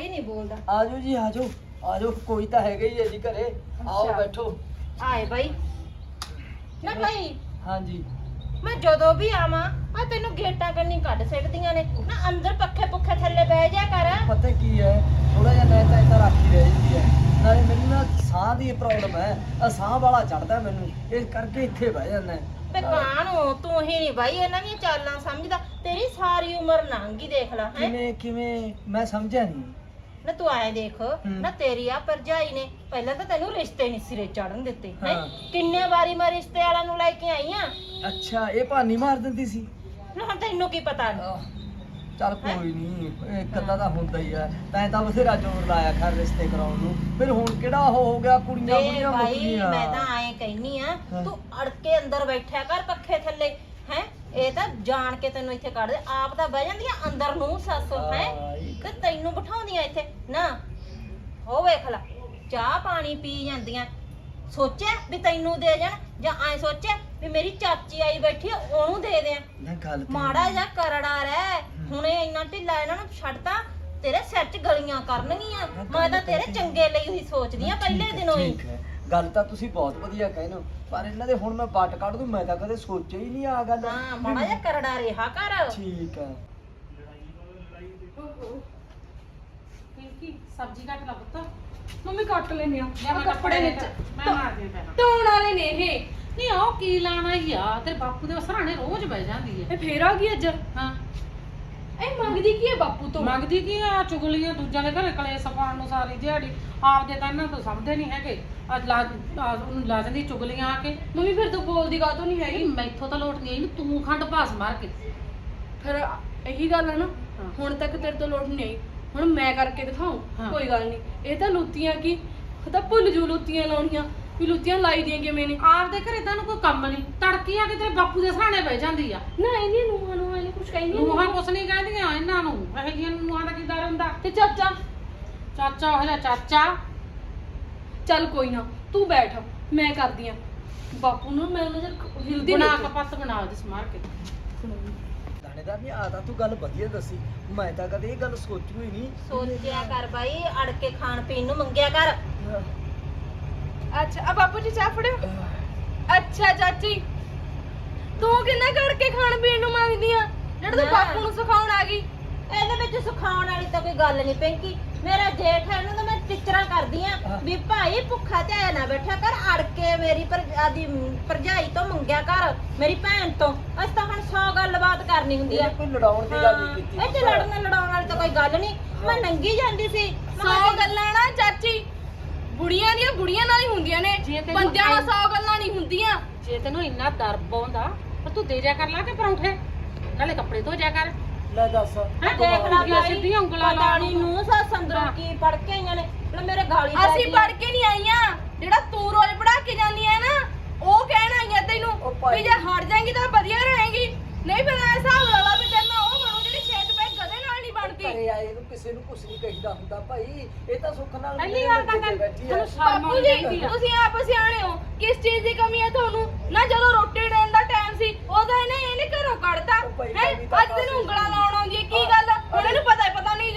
नहीं बोलता। आजो जी आजो आजो कोई तो है ही है जी घरे आओ अच्छा। बैठो आए भाई ना भाई हाँ जी मैं जदों भी आवां आ तेनू गेटां कन्नी कढ सकदियां ने ना अंदर पक्खे पुखे थल्ले बह जा कर। पता की है थोड़ा जिहा मैं तो इतना राखी रह जाती है नाले मैनू ना साह की प्रॉब्लम है साह वाला चढ़ता मैनू इस करके इत्थे बह जाना है ते कानू तू ही नहीं भाई इन्हां दी चालां समझदा तेरी सारी उम्र लंघ गई देख ला है किवें किवें मैं समझा नहीं ना तू आए देख ना तेरी आ भरजाई ने पहले तो तेनू रिश्ते नहीं सिरे चढ़न दिते है हाँ। किन्ने बारी मैं रिश्ते वाला नु लेके आई हां अच्छा ये भानी मार दिंदी सी ना तेनू की पता चल कोई नहीं एक अद्धा ਤਾਂ ਹੁੰਦਾ ਹੀ ਆ ਤੈਂ ਤਾਂ ਬਥੇਰਾ ਜ਼ੋਰ ਲਾਇਆ ਖੈਰ ਰਿਸ਼ਤੇ ਕਰਾਉਣ ਨੂੰ ਫਿਰ ਹੁਣ ਕਿਹੜਾ ਉਹ ਹੋ ਗਿਆ ਕੁੜੀਆਂ ਵੇ ਕੁੜੀਆਂ ਮੁੱਕ ਭਾਈ ਗਈਆਂ ਮੈਂ ਤਾਂ ਐਂ ਕਹਿਨੀ ਆ ਹਾਂ। ਤੂੰ ਅੜ ਕੇ ਅੰਦਰ ਬੈਠਿਆ ਕਰ ਪੱਖੇ ਥੱਲੇ ਹੈ ਇਹ ਤਾਂ ਜਾਣ ਕੇ ਤੈਨੂੰ ਇੱਥੇ ਕੱਢ ਦੇ ਆਪ ਤਾਂ ਬਹਿ ਜਾਂਦੀਆਂ ਅੰਦਰ ਨੂੰ ਸੱਸ ਹੈ ਤੇ ਤੈਨੂੰ ਬਿਠਾਉਂਦੀਆਂ ਇੱਥੇ ਨਾ ਹੋ ਵੇਖ ਲੈ ਚਾਹ ਪਾਣੀ ਪੀ ਜਾਂਦੀਆਂ ਸੋਚਿਆ ਵੀ ਤੈਨੂੰ ਦੇ ਜਾਣ ਜਾਂ ਐ ਸੋਚਿਆ ਵੀ ਮੇਰੀ ਚਾਚੀ ਆਈ ਬੈਠੀ ਆ ਉਹਨੂੰ ਦੇ ਦਿਆਂ ਨਾ ਗੱਲ ਤੇ ਮਾੜਾ ਜਿਹਾ ਕਰੜਾ ਰਹਿ ਹੁਣੇ ਇੰਨਾ ਢਿੱਲਾ ਇਹਨਾਂ ਨੂੰ ਛੱਡਤਾ ਤੇਰੇ ਸਿਰ 'ਚ ਗਲੀਆਂ ਕਰਨਗੀਆਂ ਮੈਂ ਤਾਂ ਤੇਰੇ ਚੰਗੇ ਲਈ ਹੀ ਸੋਚਦੀ ਆ ਪਹਿਲੇ ਦਿਨੋਂ ਹੀ ਠੀਕ ਹੈ ਗੱਲ ਤਾਂ ਤੁਸੀਂ ਬਹੁਤ ਵਧੀਆ ਕਹਿੰਦੇ ਹੋ ਪਰ ਇਹਨਾਂ ਦੇ ਹੁਣ ਮੈਂ ਵੱਟ ਕੱਢ ਦੂੰ ਮੈਂ ਤਾਂ ਕਦੇ ਸੋਚਿਆ ਹੀ ਨਹੀਂ ਆ ਗੱਲ ਹਾਂ ਮਾੜਾ ਜਿਹਾ ਕਰੜਾ ਰਿਹਾ ਕਰ ਠੀਕ ਹੈ ਕੀ ਸਬਜ਼ੀ ਕੱਟ ਲਾ ਪੁੱਤ ਮੰਮੀ ਕੱਟ ਲੈਨੇ ਆ ਮੈਂ ਕੱਪੜੇ ਨੇ ਮੈਂ ਮਾਰਦੀ ਹਾਂ ਪਹਿਲਾਂ ਧੋਣ ਵਾਲੇ ਨੇ ਇਹ ਨਹੀਂ ਉਹ ਕੀ ਲਾਣਾ ਹੀ ਆ ਤੇਰੇ ਬਾਪੂ ਦੇ ਸਰਾਣੇ ਰੋਜ਼ ਬਹਿ ਜਾਂਦੀ ਹੈ ਇਹ ਫੇਰ ਆ ਗਈ ਅੱਜ ਹਾਂ ਇਹ ਮੰਗਦੀ ਕੀ ਹੈ ਬਾਪੂ ਤੋਂ ਮੰਗਦੀ ਕੀ ਆ ਚੁਗਲੀਆਂ ਦੂਜਿਆਂ ਦੇ ਘਰੇ ਕਲੇਸ਼ ਪਾਉਣ ਨੂੰ ਸਾਰੀ ਦਿਹਾੜੀ ਆਪਦੇ ਤਾਂ ਇਹਨਾਂ ਤੋਂ ਸਮਝਦੇ ਨਹੀਂ ਹੈਗੇ ਅੱਜ ਉਹਨੂੰ ਲਾ ਜਾਂਦੀ ਚੁਗਲੀਆਂ ਆ ਕੇ ਮੰਮੀ ਫਿਰ ਤੂੰ ਬੋਲਦੀ ਕਾਹਤੋਂ ਨਹੀਂ ਹੈਗੀ ਮੈਥੋਂ ਤਾਂ ਲੋਟ ਨਹੀਂ ਆਈ ਤੂੰ ਖੰਡ ਭਾਸ ਮਾਰ ਕੇ ਫਿਰ ਇਹੀ ਗੱਲ ਹੈ ਨਾ ਹਾਂ। ਹੁਣ ਤੱਕ ਤੇਰੇ ਤੋਂ ਲੋਟ ਨਹੀਂ ਆਈ ਹੁਣ ਮੈਂ ਕਰਕੇ ਦਿਖਾਉਂ ਹਾਂ। ਕੋਈ ਗੱਲ ਨਹੀਂ ਇਹ ਤਾਂ ਲੁੱਤੀਆਂ ਕੀ ਉਹ ਤਾਂ ਭੁੱਲ ਜੂ ਲੁੱਤੀਆਂ ਲਾਉਣੀਆਂ ਵੀ ਲੁੱਤੀਆਂ ਲਾਈ ਦੀਆਂ ਕਿਵੇਂ ਨੇ ਆਪਦੇ ਘਰੇ ਤਾਂ ਕੋਈ ਕੰਮ ਨਹੀਂ ਤੜਕੀ ਆ ਕੇ ਤੇਰੇ ਬਾਪੂ ਦੇ ਸਰਾਣੇ ਬਹਿ ਜਾਂਦੀ ਆ ਨਾ ਇਹਦੀਆਂ ਨੂੰਹਾਂ ਨੂੰ ਇਹਨੇ ਕੁਝ ਕਹਿੰਦੀਆਂ ਨੂੰਹਾਂ ਕੁਛ ਨਹੀਂ ਕਹਿੰਦੀਆਂ ਇਹਨਾਂ ਨੂੰ ਇਹੋ ਜਿਹੀਆਂ ਨੂੰਹਾਂ ਦਾ ਕੀ ਦਰ ਹੁੰਦਾ ਤੇ ਚਾਚਾ ਚਾਚਾ ਉਹ ਜਿਹਾ ਚਾਚਾ ਚੱਲ ਕੋਈ ਨਾ ਤੂੰ ਬੈਠ ਮੈਂ ਕਰਦੀ ਆ ਬਾਪੂ ਨੂੰ ਮੈਂ ਨਜ਼ਰ ਹਿਲਦੀ ਬਣਾ ਨਹੀਂ ਕਪੱਤ ਬਣਾ ਜਿਸ ਮਾਰ ਕੇ ਦਾਣੇਦਾਰ ਨਹੀਂ ਆ ਤਾਂ ਤੂੰ ਗੱਲ ਵਧੀਆ ਦੱਸੀ ਮੈਂ ਤਾਂ ਕਦੇ ਇਹ ਗੱਲ ਸੋਚੂ ਹੀ ਨਹੀਂ ਸੋਚਿਆ ਕਰ ਬਾਈ ਅੜ ਕੇ ਖਾਣ ਪੀਣ ਨੂੰ ਮੰਗਿਆ ਕਰ ਅੱਛਾ ਆ ਬਾਪੂ ਜੀ ਚਾਹ ਫੜਿਓ ਅੱਛਾ ਚਾਚੀ ਤੂੰ ਕਿੰਨਾ ਕਰਕੇ ਖਾਣ ਪੀਣ ਨੂੰ ਮੰਗਦੀ ਆ ਜਿਹੜਾ ਤੂੰ ਨਾ। ਬਾਪੂ ਨੂੰ ਸਿਖਾਉਣ ਆ ਗਈ ਇਹਦੇ ਵਿੱਚ ਸਿਖਾਉਣ ਵਾਲੀ ਤਾਂ ਕੋਈ ਗੱਲ ਨਹੀਂ ਪਿੰਕੀ ਮੇਰਾ ਜੇਠ ਹੈ ਉਹਨੂੰ ਤਾਂ ਮੈਂ ਟੀਚਰਾਂ ਕਰਦੀ ਆ ਵੀ ਭਾਈ ਭੁੱਖਾ ਧਿਆਇਆ ਨਾ ਬੈਠਾ ਕਰ ਅੜ ਕੇ ਮੇਰੀ ਆਦੀ ਭਰਜਾਈ ਤੋਂ ਮੰਗਿਆ ਕਰ ਮੇਰੀ ਭੈਣ ਤੋਂ ਅਸੀਂ ਤਾਂ ਹੁਣ 100 ਗੱਲਬਾਤ ਕਰਨੀ ਹੁੰਦੀ ਆ ਇਹ ਕੋਈ ਲੜਾਉਣ ਦੀ ਗੱਲ ਨਹੀਂ ਕੀਤੀ ਇਹ ਚ ਲੜਾਉਣ ਵਾਲੀ ਤਾਂ ਕੋਈ ਗੱਲ ਨਹੀਂ ਮੈਂ ਨੰਗੀ ਜਾਂਦੀ ਸੀ 100 ਗੱਲਾਂ ਨਾ ਚਾਚੀ ਬੁੜੀਆਂ ਦੀਆਂ ਬੁੜੀਆਂ ਨਾਲ ਹੀ ਹੁੰਦੀਆਂ ਨੇ ਜੇ ਤੈਨੂੰ ਬੰਦਿਆਂ ਨਾਲ 100 ਗੱਲਾਂ ਨਹੀਂ ਹੁੰਦੀਆਂ ਜੇ ਤੈਨੂੰ ਇੰਨਾ ਦਰ ਪਾਉਂਦਾ ਤਾਂ ਤੂੰ ਦੇ ਜਾ ਕਰ ਲਾ ਕੇ ਪਰੌਂਠੇ ਨਾਲੇ ਕੱਪੜੇ ਧੋ ਜਾ ਕਰ ਲੈ ਦੱਸ ਹੈਂ, ਦੇਖ ਲਾ ਉਂਗਲੀਆਂ ਭਾਈ ਸਿੱਧੀਆਂ ਉਂਗਲਾਂ ਪਤਾ ਲਾਉਣ ਨੀ ਨੂੰ। ਨੂੰ ਸੱਸ ਅੰਦਰੋਂ ਹਾਂ। ਕੀ ਪੜ ਕੇ ਆਈਆਂ ਨੇ ਮਤਲਬ ਮੇਰੇ ਗਾਲੀ ਪੈ ਅਸੀਂ ਗਈ। ਪੜ ਕੇ ਨਹੀਂ ਆਈਆਂ ਜਿਹੜਾ ਤੂੰ ਰੋਜ਼ ਪੜਾ ਕੇ ਜਾਂਦੀ ਆ ਨਾ ਉਹ ਕਹਿਣ ਆਈਆਂ ਤੈਨੂੰ ਉਹ ਭਾਈ। ਵੀ ਜੇ ਹਟ ਜਾਏਂਗੀ ਤਾਂ ਵਧੀਆ ਰਹੇਗੀ ਨਹੀਂ ਫਿਰ ਐ ਹਿਸਾਬ ਲਾ ਲਾ ਵੀ ਤੈਨੂੰ ਉਹ ਬਣੂ ਜਿਹੜੀ ਛੇਤ ਪੈ ਗਧੇ ਨਾਲ ਨਹੀਂ ਬਣਦੀ ਘਰੇ ਆਏ ਨੂੰ ਕਿਸੇ ਨੂੰ ਕੁਝ ਨਹੀਂ ਕਹੀਦਾ ਹੁੰਦਾ ਭਾਈ ਇਹ ਤਾਂ ਸੁੱਖ ਨਾਲ ਪਹਿਲੀ ਮੇਰੇ ਗੱਲ ਤਾਂ ਮੰਜੇ ਤੇ ਬੈਠੀ ਆ। ਤੈਨੂੰ ਸ਼ਰਮ ਬਾਪੂ ਆਉਣੀ ਜੀ ਚਾਹੀਦੀ ਆ ਤੁਸੀਂ ਆਪ ਸਿਆਣੇ ਹੋ ਕਿਸ ਚੀਜ਼ ਦੀ ਕਮੀ ਹੈ ਤੁਹਾਨੂੰ ਨਾ ਜਦੋਂ ਰੋਟੀ ਦੇਣ ਦਾ ਟਾਈਮ ਸੀ ਉਦੋਂ ਇਹਨੇ ਘਰੋਂ ਕੱਢਤਾ ਉਹ ਭਾਈ ਹੈ ਕਮੀ ਤਾਂ ਅੱਜ ਤੈਨੂੰ ਉਂਗਲਾਂ ਲਾਉਣ ਆਉਂਦੀ ਹੈ ਕੀ ਗੱਲ ਹੁਣ ਇਹਨੂੰ ਪਤਾ ਨਹੀਂ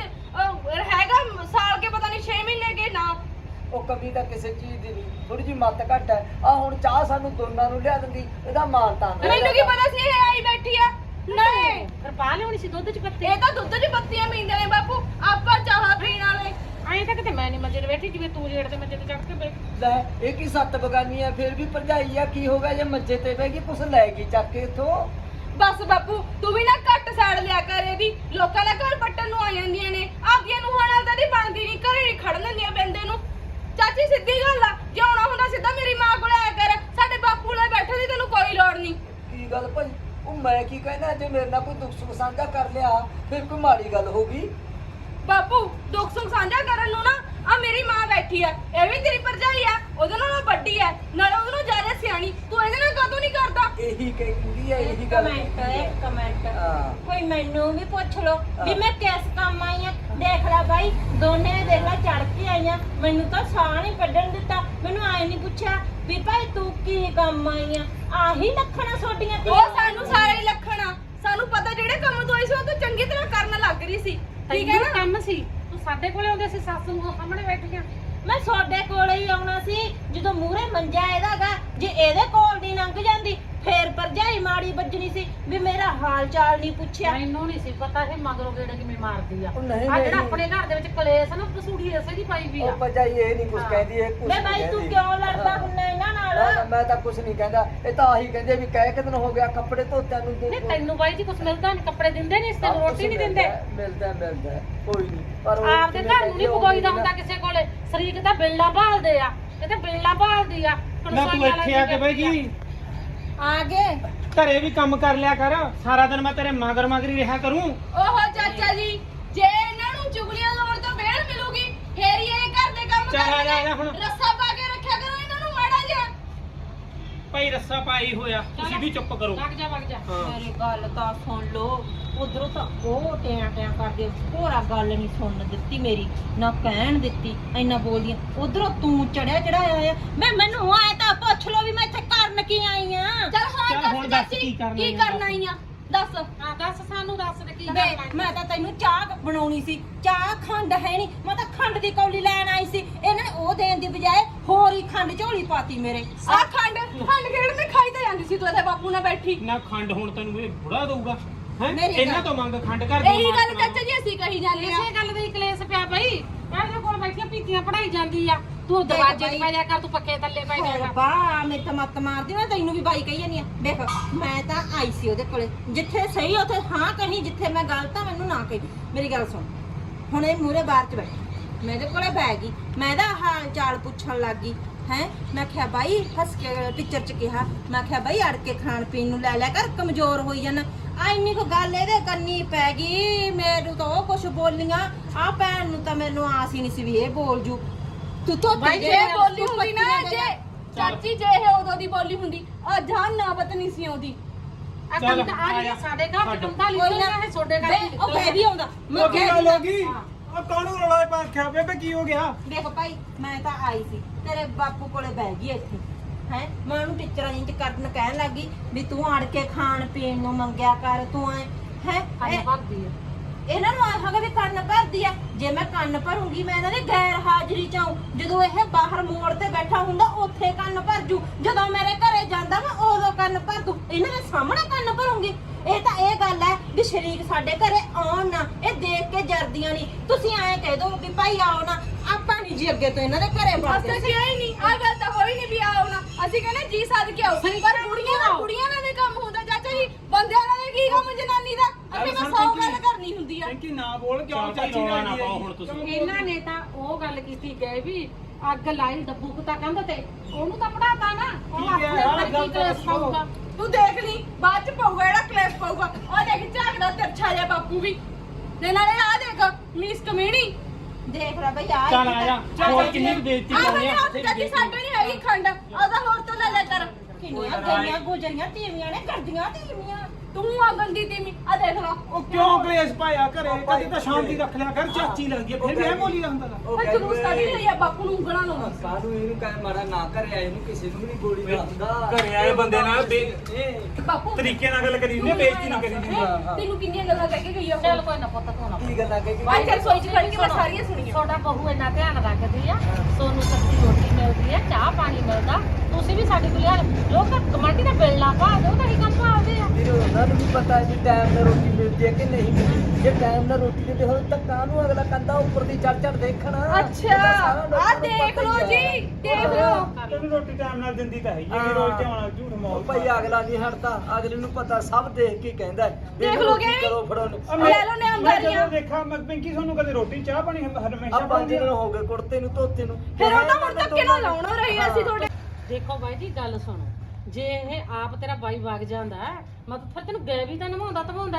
ਹੈਗਾ ਸਾਲ ਕੇ ਪਤਾ ਨਹੀਂ 6 ਮਹੀਨੇ ਕੇ ਨਾ ਉਹ ਕਮੀ ਤਾਂ ਕਿਸੇ ਚੀਜ਼ ਦੀ ਨਹੀਂ ਥੋੜੀ ਜਿਹੀ ਮੱਤ ਘੱਟ ਹੈ ਆ ਹੁਣ ਚਾਹ ਸਾਨੂੰ ਦੋਨਾਂ ਨੂੰ ਲਿਆ ਦਿੰਦੀ ਇਹਦਾ ਮਾਨ ਤਾਂ ਮੈਨੂੰ ਕੀ ਪਤਾ ਸੀ ਇਹ ਆਈ ਬੈਠੀ ਆ ਨਹੀਂ ਫਿਰ ਪਾ ਲਿਆਉਣੀ ਸੀ ਦੁੱਧ ਚ ਪੱਤੀ ਇਹ ਤਾਂ ਦੁੱਧ 'ਚ ਪੱਤੀਆਂ ਪੀਂਦੇ ਨੇ ਬਾਪੂ ਆਪਾਂ ਚਾਹ ਪੀਣ ਵਾਲੇ ਐਂ ਤਾਂ ਕਿਤੇ ਮੈਂ ਨਹੀਂ ਮੰਜੇ ਤੇ ਬੈਠੀ ਜਿਵੇਂ ਤੂੰ ਜੇੜ ਤੇ ਮੰਜੇ ਤੇ ਚੜ ਕੇ ਬੈਠ ਲੈ ਇਹ ਕੀ ਸੱਤ ਬਗਾਨੀ ਹੈ ਫਿਰ ਵੀ ਭਰਜਾਈ ਆ ਕੀ ਹੋ ਗਿਆ ਜੇ ਮੰਜੇ ਤੇ ਬਹਿ ਗਈ ਕੁਛ ਲੈ ਗਈ ਚੱਕ ਕੇ ਇੱਥੋਂ ਬਸ ਬਾਪੂ ਤੂੰ ਵੀ ਨਾ ਘੱਟ ਸਾੜ ਲਿਆ ਕਰ ਇਹਦੀ ਲੋਕਾਂ ਦਾ ਘਰ ਪੱਟਣ ਨੂੰ ਆ ਜਾਂਦੀਆਂ ਨੇ ਆਪਦੀਆਂ ਨੂੰ ਨਾਲ ਤਾਂ ਨਹੀਂ ਬਣਦੀ ਨਹੀਂ ਘਰੇ ਨਹੀਂ ਖੜਨ ਦਿੰਦੀਆਂ ਬੰਦੇ ਨੂੰ ਚਾਚੀ ਸਿੱਧੀ ਗੱਲ ਆ ਜੇ ਆਉਣਾ ਹੁੰਦਾ ਸਿੱਧਾ ਮੇਰੀ ਮਾਂ ਕੋਲ ਆਇਆ ਕਰ ਸਾਡੇ ਬਾਪੂ ਨਾਲ ਬੈਠੇ ਦੀ ਤੈਨੂੰ ਕੋਈ ਲੋੜ ਨਹੀਂ ਕੀ ਗੱਲ ਭਾਈ ਉਹ ਮੈਂ ਕੀ ਕਹਿਣਾ ਜੇ ਮੇਰੇ ਨਾਲ ਕੋਈ ਦੁੱਖ ਸੁੱਖ ਸਾਂਝਾ ਕਰ ਲਿਆ ਫਿਰ ਕੋਈ ਮਾੜੀ ਗੱਲ ਹੋ ਗਈ ਬਾਪੂ ਦੁੱਖ ਸੁੱਖ ਸਾਂਝਾ ਕਰਨ ਨੂੰ ਨਾ ਆ ਮੇਰੀ ਮਾਂ ਬੈਠੀ ਆ ਇਹ ਵੀ ਤੇਰੀ ਭਰਜਾਈ ਆ ਉਹਦੇ ਨਾਲੋਂ ਵੱਡੀ ਆ ਨਾਲੇ ਉਹਦੇ ਨਾਲੋਂ ਜ਼ਿਆਦਾ ਸਿਆਣੀ ਤੂੰ ਇਹਦੇ ਨਾਲ ਕਦੋਂ ਨਹੀਂ ਕਰਦਾ ਇਹੀ ਕਹਿੰਦੀ ਹੈ ਇਹੀ ਗੱਲ ਕਮੈਂਟ ਹਾਂ। ਕੋਈ ਮੈਨੂੰ ਵੀ ਪੁੱਛ ਲੋ ਵੀ ਮੈਂ ਕਿਸ ਕੰਮ ਆਈ ਆ ਦੇਖ ਲੈ ਬਾਈ ਦੋਨੇ ਦੇਖ ਲੈ ਚੜ ਕੇ ਆਈਆਂ ਮੈਨੂੰ ਤਾਂ ਸਾਹ ਨਹੀਂ ਕੱਢਣ ਦਿੱਤਾ ਮੈਨੂੰ ਆਏ ਨਹੀਂ ਪੁੱਛਿਆ ਵੀ ਭਾਈ ਤੂੰ ਕੀ ਕੰਮ ਆਈ ਆ ਆਹੀ ਲੱਖਣਾ ਛੋਡੀਆਂ ਉਹ ਸਾਨੂੰ ਸਾਰੇ ਹੀ ਲੱਖਣਾ ਸਾਨੂੰ ਪਤਾ ਜਿਹੜੇ ਕੰਮ ਤੋਂ ਆਈ ਸੀ ਉਹ ਤੂੰ ਚੰਗੀ ਤਰ੍ਹਾਂ ਕਰਨ ਲੱਗ ਰਹੀ ਸੀ ਠੀਕ ਹੈ ਨਾ ਕੰਮ ਸੀ ਤੂੰ ਸਾਡੇ ਕੋਲੇ ਆਉਂਦੇ ਸੀ ਸੱਸ ਨੂੰ ਸਾਹਮਣੇ ਬੈਠੀਆਂ। ਮੈਂ ਤੁਹਾਡੇ ਕੋਲੇ ਹੀ ਆਉਣਾ ਸੀ ਜਦੋਂ ਮੂਹਰੇ ਮੰਜਾ ਇਹਦਾਗਾ। ਜੇ ਇਹਦੇ ਕੋਲ ਦੀ ਲੰਘ ਜਾਂਦੀ ਫੇਰ ਭਰਜਾਈ ਮਾੜੀ ਵੱਜਣੀ ਸੀ ਵੀ ਮੇਰਾ ਹਾਲ ਚਾਲ ਨਹੀਂ ਪੁੱਛਿਆ। ਮੈਨੂੰ ਨਹੀਂ ਸੀ ਪਤਾ ਇਹ ਮਗਰੋਂ ਗੇੜੇ ਕਿਵੇਂ ਮਾਰਦੀ ਆ। ਉਹ ਨਹੀਂ, ਆ ਜਿਹੜਾ ਨਹੀਂ। ਆਪਣੇ ਘਰ ਦੇ ਵਿੱਚ ਕਲੇਸ਼ ਆ ਨਾ ਕਸੂੜੀ ਐਸੇ ਦੀ ਪਾਈ ਵੀ ਆ। ਉਹ ਭਜਾਈ ਇਹ ਨਹੀਂ ਕੁਝ ਹਾਂ। ਕਹਿੰਦੀ, ਇਹ ਕੁਝ ਮੈਂ ਬਾਈ ਤੂੰ ਕਿਉਂ ਲੜਦਾ ਹੁੰਨਾ ਇਹਨਾਂ ਨਾਲ? ਮੈਂ ਤਾਂ ਕੁਝ ਨਹੀਂ ਕਹਿੰਦਾ, ਇਹ ਤਾਂ ਆਹੀ ਕਹਿੰਦੇ ਵੀ ਕਹਿ ਕਿ ਦਿਨ ਹੋ ਗਿਆ ਕੱਪੜੇ ਧੋਤਿਆਂ ਨੂੰ ਨਹੀਂ ਤੈਨੂੰ ਬਾਈ ਜੀ ਕੁਝ ਮਿਲਦਾ ਨਹੀਂ, ਕੱਪੜੇ ਦਿੰਦੇ ਨਹੀਂ, ਇਸ ਤੇ ਰੋਟੀ ਨਹੀਂ ਦਿੰਦੇ। ਮਿਲਦਾ ਕੋਈ ਨਹੀਂ, ਪਰ ਉਹ ਆਪਦੇ ਘਰ ਨੂੰ ਨਹੀਂ ਪਗੋਈਦਾ ਹੁੰਦਾ ਕਿਸੇ ਕੋਲੇ। ਸ਼ਰੀਕ ਤਾਂ ਬਿੱਲਾ ਭਾਲਦੇ ਆ, ਇਹ ਤਾਂ ਬਿੱਲਾ ਭਾਲਦੀ ਆ। ਨਾ ਤੂੰ ਇੱਥੇ ਆ ਕੇ ਬਈ ਜੀ ਆ ਗਏ ਘਰੇ ਵੀ ਕੰਮ ਕਰ ਲਿਆ ਕਰ, ਸਾਰਾ ਦਿਨ ਮੈਂ ਤੇਰੇ ਮਗਰ ਮਗਰੀ ਰਿਹਾ ਕਰੂੰ। ਓਹੋ ਚਾਚਾ ਜੀ, ਜੇ ਇਹਨਾਂ ਨੂੰ ਚੁਗਲੀਆਂ ਲਾਉਣ ਤੋਂ ਵਿਹਲ ਮਿਲੂਗੀ ਫੇਰ ਹੀ ਇਹ ਘਰ ਦੇ ਕੰਮ ਚੱਲ ਆ ਜਾ, ਆ ਜਾ ਕਰਨਗੇ। ਹੁਣ। ਰੱਸਾ ਪਾ ਕੇ ਰੱਖਿਆ ਕਰੋ ਇਹਨਾਂ ਨੂੰ ਮਾੜਾ ਜਿਹਾ। ਭਾਈ ਰੱਸਾ ਪਾਈ ਹੋਇਆ, ਤੁਸੀਂ ਵੀ ਚੁੱਪ ਕਰੋ। ਵਗ ਜਾ ਵਗ ਜਾ। ਹਾਂ ਮੇਰੀ ਗੱਲ ਤਾਂ ਸੁਣ ਲੋ। ਉਧਰੋਂ ਤਾਂ ਉਹ ਟਿਆਂ ਕਰਦੇ ਹੋਰਾ ਗੱਲ ਨਹੀਂ ਸੁਣਨ ਦਿੱਤੀ ਮੇਰੀ, ਨਾ ਕਹਿਣ ਦਿੱਤੀ, ਇੰਨਾ ਬੋਲਦੀਆਂ। ਉਧਰੋਂ ਤੂੰ ਚੜਾਇਆ ਆ। ਮੈਨੂੰ ਆਏ ਤਾਂ ਪੁੱਛ ਲੋ ਵੀ ਮੈਂ ਇੱਥੇ ਕਰਨ ਕੀ ਆਈ ਆ। ਚੱਲ ਹਾਂ ਚੱਲ ਹੁਣ ਦੱਸ ਦੱਸ ਚਾਚੀ, ਕੀ ਕਰਨਾ ਕੀ ਹੈ, ਕਰਨਾ ਹੀ ਆ ਦੱਸ। ਹਾਂ ਦੱਸ ਸਾਨੂੰ ਦੱਸ ਦੇ ਕੀ ਵੇ ਕਰਨਾ। ਮੈਂ ਤਾਂ ਤੈਨੂੰ ਚਾਹ ਬਣਾਉਣੀ ਸੀ, ਚਾਹ ਖੰਡ ਹੈ ਨਹੀਂ, ਮੈਂ ਤਾਂ ਖੰਡ ਦੀ ਕੌਲੀ ਲੈਣ ਆਈ ਸੀ। ਇਹਨਾਂ ਨੇ ਉਹ ਦੇਣ ਦੀ ਬਜਾਏ ਹੋਰ ਹੀ ਖੰਡ ਝੋਲੀ ਪਾਤੀ ਮੇਰੇ। ਆ ਖੰਡ ਖੇੜ ਤੇ ਖਾਈ ਤਾਂ ਜਾਂਦੀ ਸੀ ਤੂੰ ਇੱਥੇ ਬਾਪੂ ਨਾਲ ਬੈਠੀ। ਨਾ ਖੰਡ ਹੁਣ ਤੈਨੂੰ ਇਹ ਬੁੜਾ ਦਊਗਾ ਹੈ? ਮੇਰੀ ਇਹਨਾਂ ਗੱਲ- ਤੋਂ ਮੰਗ ਖੰਡ ਕਰ ਇਹੀ ਗੱਲ ਚਾਚਾ ਜੀ ਅਸੀਂ ਕਹੀ ਜਾਂਦੇ ਆ। ਇਸੇ ਗੱਲ ਦਾ ਹੀ ਕਲੇਸ਼ ਪਿਆ ਬਈ। ਇਹਦੇ ਕੋਲ ਬੈਠੀਆਂ ਪੀਤੀਆਂ ਪੜਾਈ ਜਾਂਦੀ ਆ, ਤੂੰ ਦੇਖ ਦਰਵਾਜ਼ੇ ਬਾਈ। 'ਚ ਪੈ ਜਾ ਕਰ, ਤੂੰ ਪੱਕੇ ਥੱਲੇ ਪੈ ਜਾ ਕਰ। ਬਾ ਮੇਰੇ ਤਾਂ ਮੱਤ ਮਾਰਦੀ ਨਾ, ਤੈਨੂੰ ਵੀ ਬਾਈ ਕਹੀ ਜਾਨੀ ਆ। ਦੇਖ ਮੈਂ ਤਾਂ ਆਈ ਸੀ ਉਹਦੇ ਕੋਲੇ, ਜਿੱਥੇ ਸਹੀ ਉੱਥੇ ਹਾਂ ਕਹੀ, ਜਿੱਥੇ ਮੈਂ ਗਲਤ ਆ ਮੈਨੂੰ ਨਾ ਕਹੀ। ਮੇਰੀ ਗੱਲ ਸੁਣ, ਹੁਣ ਇਹ ਮੂਹਰੇ ਬਾਹਰ ਚ ਬੈਠੀ ਮੇਰੇ ਕੋਲੇ ਬਹਿ ਗਈ, ਮੈਂ ਇਹਦਾ ਹਾਲ ਚਾਲ ਪੁੱਛਣ ਲੱਗ ਗਈ ਹੈ। ਮੈਂ ਕਿਹਾ ਬਾਈ ਹੱਸ ਕੇ ਟੀਚਰ ਚ ਕਿਹਾ, ਮੈਂ ਕਿਹਾ ਬਾਈ ਅੜ ਕੇ ਖਾਣ ਪੀਣ ਨੂੰ ਲੈ ਲਿਆ ਕਰ, ਕਮਜ਼ੋਰ ਹੋਈ ਜਾਣਾ। ਆ ਇੰਨੀ ਕੁ ਗੱਲ ਇਹਦੇ ਕੰਨੀ ਪੈ ਗਈ, ਮੈਨੂੰ ਤਾਂ ਉਹ ਕੁਛ ਬੋਲੀਆਂ। ਆ ਭੈਣ ਨੂੰ ਤਾਂ ਮੈਨੂੰ ਆਸ ਹੀ ਨਹੀਂ ਸੀ ਵੀ ਇਹ ਬੋਲ ਜੂ। ਤੂੰ ਤਾਂ ਬਾਈ ਜੇ ਬੋਲੀ ਹੁੰਦੀ ਨਾ, ਜੇ ਚਾਚੀ ਜੇ ਇਹ ਉਦੋਂ ਦੀ ਬੋਲੀ ਹੁੰਦੀ ਆ ਜਾਨ ਨਾ ਪਤ ਨਹੀਂ ਸੀ ਆਉਂਦੀ। ਆ ਚੱਲ, ਕੰਮ ਤਾਂ ਆ ਆ ਗਿਆ ਜਾ। ਸਾਡੇ ਘਰ ਚ ਕੰਦਾ ਕੋਈ ਨਾ, ਲਿਖਿਆ ਹੈ, ਛੋਡੇ ਘਰ ਚ ਉਹ ਬੈ ਵੀ ਆਉਂਦਾ। ਮੈਂ ਉਹ ਕੀ ਕਿਹਾ ਗੱਲ ਹੋ ਗਈ? ਉਹ ਕਾਹਨੂੰ ਰੌਲਾ ਪਾ ਰੱਖਿਆ ਬੇਬੇ, ਕੀ ਹੋ ਗਿਆ? ਦੇਖ ਭਾਈ, ਮੈਂ ਤਾਂ ਆਈ ਸੀ ਤੇਰੇ ਬਾਪੂ ਕੋਲੇ ਬਹਿ ਗਈ ਇੱਥੇ ਹੈ। ਮੈਂ ਉਹਨੂੰ ਟੀਚਰਾਂ ਜੀ ਚ ਕਰਨ ਕਹਿਣ ਲੱਗੀ ਵੀ ਤੂੰ ਅੜ ਕੇ ਖਾਣ ਪੀਣ ਨੂੰ ਮੰਗਿਆ ਕਰ, ਤੂੰ ਐ ਹੈ। ਕੰਨ ਭਰਦੀ ਆ। ਇਹਨਾਂ ਨੂੰ ਆਖਾਂਗੇ ਵੀ ਕੰਨ ਭਰਦੀ ਆ। ਜੇ ਮੈਂ ਕੰਨ ਭਰੂੰਗੀ ਮੈਂ ਇਹਨਾਂ ਦੀ ਗੈਰ ਹਾਜ਼ਰੀ ਚ ਆਊਂ। ਜਦੋਂ ਇਹ ਬਾਹਰ ਮੋੜ ਤੇ ਬੈਠਾ ਹੁੰਦਾ ਉੱਥੇ ਕੰਨ ਭਰ ਜੂ, ਜਦੋਂ ਮੇਰੇ ਘਰੇ ਜਾਂਦਾ ਮੈਂ ਉਦੋਂ ਕੰਨ ਭਰ ਦੂ। ਇਹਨਾਂ ਦੇ ਸਾਹਮਣੇ ਕੰਨ ਭਰੂੰਗੀ। ਇਹ ਤਾਂ ਇਹ ਗੱਲ ਹੈ ਵੀ ਸ਼ਰੀਕ ਸਾਡੇ ਘਰੇ ਆਉਣ ਨਾ, ਇਹ ਦੇਖ ਕੇ ਜਰਦੀਆਂ ਨਹੀਂ। ਤੁਸੀਂ ਐਂ ਕਹਿ ਦੋ ਵੀ ਭਾਈ ਆਓ ਨਾ, ਆਪਾਂ ਨਹੀਂ ਜੀ ਅੱਗੇ ਤੋਂ ਇਹਨਾਂ ਦੇ ਘਰੇ ਵੜਦੇ। ਅਸੀਂ ਆਈ ਨਹੀਂ, ਆ ਗੱਲ ਤਾਂ ਹੋਈ ਨਹੀਂ ਵੀ ਆਓ ਨਾ। ਅਸੀਂ ਕਹਿੰਦੇ ਜੀ ਸੱਦ ਕੇ ਆਓ, ਪਰ ਕੁੜੀਆਂ ਨਾਲ ਵੀ ਕੰਮ ਹੁੰਦਾ ਚਾਚਾ ਜੀ, ਬੰਦਿਆਂ ਨਾਲ ਵੀ ਕੀ ਕੰਮ ਜਨਾਨੀ ਦਾ। ਅਸੀਂ ਮੈਂ 100 ਗੱਲ ਕਰਨੀ ਹੁੰਦੀ ਆ। ਕਿ ਨਾ ਬੋਲ ਕਿਉਂ ਚਾਚੀ ਨਾਲ ਨਾ ਪਾਓ ਹੁਣ ਤੁਸੀਂ। ਇਹਨਾਂ ਨੇ ਤਾਂ ਉਹ ਗੱਲ ਕੀਤੀ ਗਏ ਵੀ ਅੱਗ ਲਾਈ ਡੱਬੂ ਕੁੱਤਾ ਕੰਧ ਤੇ, ਉਹਨੂੰ ਤਾਂ ਪੜਾਤਾ ਨਾ। ਉਹ ਠੀਕ ਹੈ, ਆਪਣੇ ਆਹ ਉੱਪਰ ਗੱਲ ਕੀ ਤਾਂ ਕਲੇਸ਼ ਦੱਸੋ। ਪਾਊਗਾ। ਤੂੰ ਦੇਖ ਲਈ ਬਾਅਦ ਚ ਪਊਗਾ ਜਿਹੜਾ ਕਲੇਸ਼ ਪਊਗਾ। ਉਹ ਦੇਖ ਝਾਕਦਾ ਤਿਰਛਾ ਜਿਹਾ ਬਾਪੂ ਵੀ, ਤੇ ਨਾਲੇ ਆ ਦੇਖ ਮੀਸ ਕਮੀਣੀ। ਦੇਖ ਲੈ ਬਈ ਆ ਚੱਲ ਆ ਜਾ, ਹੋਰ ਕਿੰਨੀ ਕੁ ਬੇਇੱਜ਼ਤੀ ਆ ਕਰਨੀ ਬਈ ਆ? ਹੱਥ ਚਾਚੀ ਸਾਡੇ ਨਹੀਂ ਹੈਗੀ ਖੰਡ, ਉਹਦਾ ਹੋਰ ਤੋਂ ਲੈ ਲੈ ਕਰ। ਕਿੰਨੀਆਂ ਗਈਆਂ ਗੁਜਰੀਆਂ ਤੀਵੀਆਂ ਨੇ, ਕਰਦੀਆਂ ਤੀਵੀਆਂ। ਤੂੰ ਆ ਗੰਦੀ ਤੀਮੀ, ਆ ਦੇਖ ਲਾ। ਉਹ ਕਿਉਂ ਕਲੇਸ਼ ਪਾਇਆ ਘਰੇ? ਕਦੇ ਤਾਂ ਸ਼ਾਂਤੀ ਰੱਖ ਲਿਆ ਕਰ, ਚਾਚੀ ਲੱਗਦੀ ਹੈ ਫਿਰ ਵੀ ਇਹ ਬੋਲੀ ਦਾ ਹੁੰਦਾ ਗਾ। ਉਹ ਜਲੂਸ ਕੱਢ ਲਈ ਆ ਬਾਪੂ ਨੂੰ ਉਂਗਲਾਂ ਲਾਉਂਦਾ। ਕਾਹਨੂੰ ਇਹਨੂੰ ਕਹਿ ਮਾਰਾ ਨਾ ਕਰਿਆ, ਇਹਨੂੰ ਕਿਸੇ ਨੂੰ ਵੀ ਨਹੀਂ ਗੋਲੀ ਮਾਰਦਾ। ਘਰੇ ਆਏ ਬੰਦੇ ਨਾਲ ਬਾਪੂ ਤਰੀਕੇ ਨਾਲ ਗੱਲ ਕਰੀ ਨੇ, ਬੇਇੱਜ਼ਤੀ ਨਹੀਂ ਕਰੀ ਦੀ। ਤੈਨੂੰ ਕਿੰਨੀਆਂ ਗੱਲਾਂ ਕਹਿ ਕੇ ਗਈ ਆ ਚੱਲ ਕੋਈ ਨਾ ਪੁੱਤ ਤੂੰ ਨਾ ਕੀ ਗੱਲਾਂ ਕਹਿ ਕੇ ਬਾਈ ਚਲ ਸੋਈ ਚ ਖੜ ਕੇ ਮੈਂ ਸਾਰੀਆਂ ਸੁਣੀਆਂ। ਤੁਹਾਡਾ ਬਹੂ ਇੰਨਾ ਧਿਆਨ ਰੱਖਦੀ ਆ, ਸੋਨੂੰ ਸਬਜ਼ੀ ਰੋਟੀ ਮਿਲਦੀ ਆ, ਚਾਹ ਪਾਣੀ ਮਿਲਦਾ, ਤੁਸੀਂ ਵੀ ਸਾਡੇ ਕੋਲ ਯਾਰ ਲੋਕ ਕਮਾਂਡੀ ਦਾ ਬਿੱਲਾ ਪਾ ਦਿਓ ਤਾਂ ਹੀ ਕੰਮ ਪਾਉਂਦੇ ਆ। ਵੀਰੋ ਉਹਨਾਂ ਨੂੰ ਵੀ ਪਤਾ ਹੈ ਵੀ ਟਾਈਮ ਨਾਲ ਰੋਟੀ ਮਿਲਦੀ ਹੈ ਕਿ ਨਹੀਂ ਮਿਲਦੀ। ਜੇ ਟਾਈਮ ਨਾਲ ਰੋਟੀ ਦਿੰਦੇ ਹੋਣ ਤਾਂ ਕਾਹਨੂੰ ਅਗਲਾ ਕੰਦਾ ਉੱਪਰ ਦੀ ਚੜ ਚੜ ਦੇਖਣਾ। ਅੱਛਾ ਆ ਦੇਖ ਲਓ ਜੀ, ਦੇਖ ਲਓ। ਤੈਨੂੰ ਰੋਟੀ ਟਾਈਮ ਨਾਲ ਦਿੰਦੀ ਤਾਂ ਹੈਗੀ ਹੈ, ਰੋਜ਼ ਤੇ ਆਉਣਾ ਝੂਠ ਮੌਲ। ਭਾਈ ਅਗਲਾ ਨਹੀਂ ਹਟਦਾ, ਅਗਲੇ ਨੂੰ ਪਤਾ ਸਭ ਦੇਖ ਕੇ ਕਹਿੰਦਾ ਹੈ। ਦੇਖ ਲੋਗੇ। ਕਰੋ ਫੜੋ ਲੈ ਲਓ ਨੇ ਮੈਂ ਅੰਗਾਰੀਆਂ। ਜਦੋਂ ਦੇਖਾਂ ਮੈਂ ਪਿੰਕੀ ਤੁਹਾਨੂੰ ਕਦੇ ਰੋਟੀ ਚਾਹ ਪਾਣੀ ਹਮੇਸ਼ਾ ਆ 5 ਦਿਨ ਹੋ ਗਏ ਕੁੜਤੇ ਨੂੰ ਧੋਤੇ ਨੂੰ। ਫਿਰ ਉਹਨਾਂ ਹੁਣ ਤੱਕ ਕਿਹਨਾਂ ਲਾਉਣਾ ਰਹੀ ਅਸੀਂ ਤੁਹਾਡੇ। ਦੇਖੋ ਬਾਈ ਜੀ ਗੱਲ ਸੁਣੋ, ਜੇ ਇਹ ਆਪ ਤੇਰਾ ਬਾਈ ਵਗ ਜਾਂਦਾ ਮਤਲਬ ਫਿਰ ਤੈਨੂੰ ਗਏ ਵੀ ਤਾਂ ਨਿਭਾਉਂਦਾ ਧਵਾਉਂਦਾ।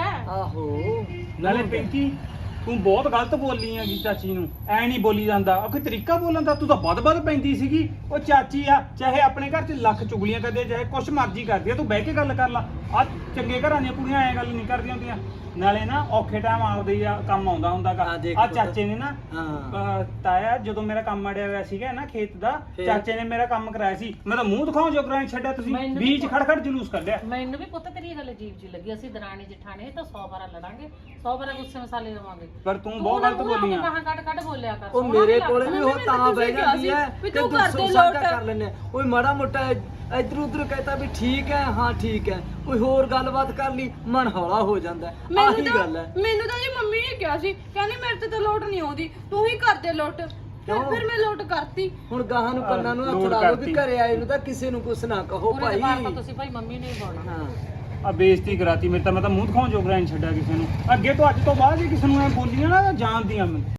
ਆਹੋ ਨਾਲੇ ਪਿੰਕੀ ਤੂੰ ਬਹੁਤ ਗਲਤ ਬੋਲੀ ਆ ਚਾਚੀ ਨੂੰ, ਐ ਨਹੀਂ ਬੋਲੀ ਜਾਂਦਾ। ਉਹ ਕੋਈ ਤਰੀਕਾ ਬੋਲਣ ਦਾ, ਤੂੰ ਤਾਂ ਵੱਧ ਪੈਂਦੀ ਸੀਗੀ। ਉਹ ਚਾਚੀ ਆ, ਚਾਹੇ ਆਪਣੇ ਘਰ 'ਚ ਲੱਖ ਚੁਗਲੀਆਂ ਕਰਦੇ, ਚਾਹੇ ਕੁਛ ਮਰਜ਼ੀ ਕਰਦੀ ਆ, ਤੂੰ ਬਹਿ ਕੇ ਗੱਲ ਕਰ ਲਾ। ਆ ਚੰਗੇ ਘਰਾਂ ਦੀਆਂ ਕੁੜੀਆਂ ਐ ਗੱਲ ਨਹੀਂ ਕਰਦੀਆਂ ਹੁੰਦੀਆਂ। ਨਾਲੇ ਨਾ ਔਖੇ ਟਾਈਮ ਆਪਦੇ ਆ ਕੰਮ ਆਉਂਦਾ ਹੁੰਦਾਗਾ। ਹਾਂ, ਦੇਖ ਆ ਪੁੱਤ। ਚਾਚੇ ਨੇ ਨਾ ਹਾਂ ਤਾਇਆ ਜਦੋਂ ਮੇਰਾ ਕੰਮ ਅੜਿਆ ਹੋਇਆ ਸੀਗਾ ਨਾ ਖੇਤ ਦਾ, ਫੇਰ? ਚਾਚੇ ਨੇ ਮੇਰਾ ਕੰਮ ਕਰਾਇਆ ਸੀ। ਮੈਂ ਤਾਂ ਮੂੰਹ ਦਿਖਾਉਣ ਜੋਗਰਾ ਨਹੀਂ ਛੱਡਿਆ, ਤੁਸੀਂ ਮੈਨੂੰ ਵੀ ਬੀਚ ਖੜ ਜਲੂਸ ਕੱਢਿਆ। ਮੈਨੂੰ ਵੀ ਪੁੱਤ ਤੇਰੀ ਗੱਲ ਅਜੀਬ ਜੀ ਲੱਗੀ। ਅਸੀਂ ਦਰਾਣੀ ਜਠਾਣੀ ਤਾਂ 100 ਵਾਰਾ ਲੜਾਂਗੇ, 100 ਵਾਰਾ ਗੁੱਸੇ ਮਸਾਲੇ ਲਵਾਂਗੇ, ਪਰ ਤੂੰ ਬਹੁਤ ਗਲਤ ਬੋਲੀ ਆ। ਬਾਹਾਂ ਕੱਢ ਬੋਲਿਆ ਕਰ। ਉਹ ਸੋਹਣਾ ਮੇਰੇ ਨੀ ਕੋਲੇ ਲੱਗਦਾ। ਵੀ ਉਹ ਤਾਂ ਬਹਿ ਜਾਂਦੀ ਹੈ ਵੀ ਕਿ ਤੂੰ ਤੂੰ ਕਰਦੇ ਸਾਂਝਾ ਲੋਟ। ਕਰ ਲੈਨੇ ਓਏ ਮਾੜਾ ਮੋਟਾ ਇੱਧਰ ਉੱਧਰ ਕਹਤਾ ਵੀ ਠੀਕ ਹੈ, ਹਾਂ ਠੀਕ ਹੈ, ਕੋਈ ਹੋਰ ਗੱਲਬਾਤ ਕਰ ਲਈ ਮਨ ਹੌਲਾ ਹੋ ਜਾਂਦਾ ਹੈ। ਆਹੀ ਗੱਲ ਹੈ। ਮੈਨੂੰ ਤਾਂ ਜੀ ਮੰਮੀ ਨੇ ਕਿਹਾ ਸੀ, ਕਹਿੰਦੀ ਮੇਰੇ ਤੇ ਤਾਂ ਲੋਟ ਨਹੀਂ ਆਉਂਦੀ, ਤੂੰ ਹੀ ਕਰ ਦੇ ਲੋਟ। ਫਿਰ ਮੈਂ ਲੋਟ ਕਰਤੀ। ਹੁਣ ਗਾਹਾਂ ਨੂੰ ਕੰਨਾਂ ਨੂੰ ਹੱਥ ਲੋਟ ਲਾ ਲਓ ਕਰਤੀ। ਵੀ ਘਰੇ ਆਏ ਨੂੰ ਤਾਂ ਕਿਸੇ ਨੂੰ ਕੁਛ ਨਾ ਕਹੋ ਪੂਰੇ ਭਾਈ। ਦਰਬਾਰ ਤਾਂ ਤੁਸੀਂ ਭਾਈ ਮੰਮੀ ਨੂੰ ਹੀ ਬੋਲਣਾ। ਹਾਂ ਆ ਬੇਇੱਜ਼ਤੀ ਕਰਾਤੀ ਮੇਰੇ ਤਾਂ, ਮੈਂ ਤਾਂ ਮੂੰਹ ਦਿਖਾਉਣ ਜੋਗਰਾ ਨਹੀਂ ਛੱਡਿਆ ਕਿਸੇ ਨੂੰ। ਅੱਗੇ ਤੋਂ ਅੱਜ ਤੋਂ ਬਾਅਦ ਜੇ ਕਿਸੇ ਨੂੰ ਐ ਬੋਲੀਆਂ ਨਾ ਜਾਣਦੀਆਂ ਮੈਨੂੰ।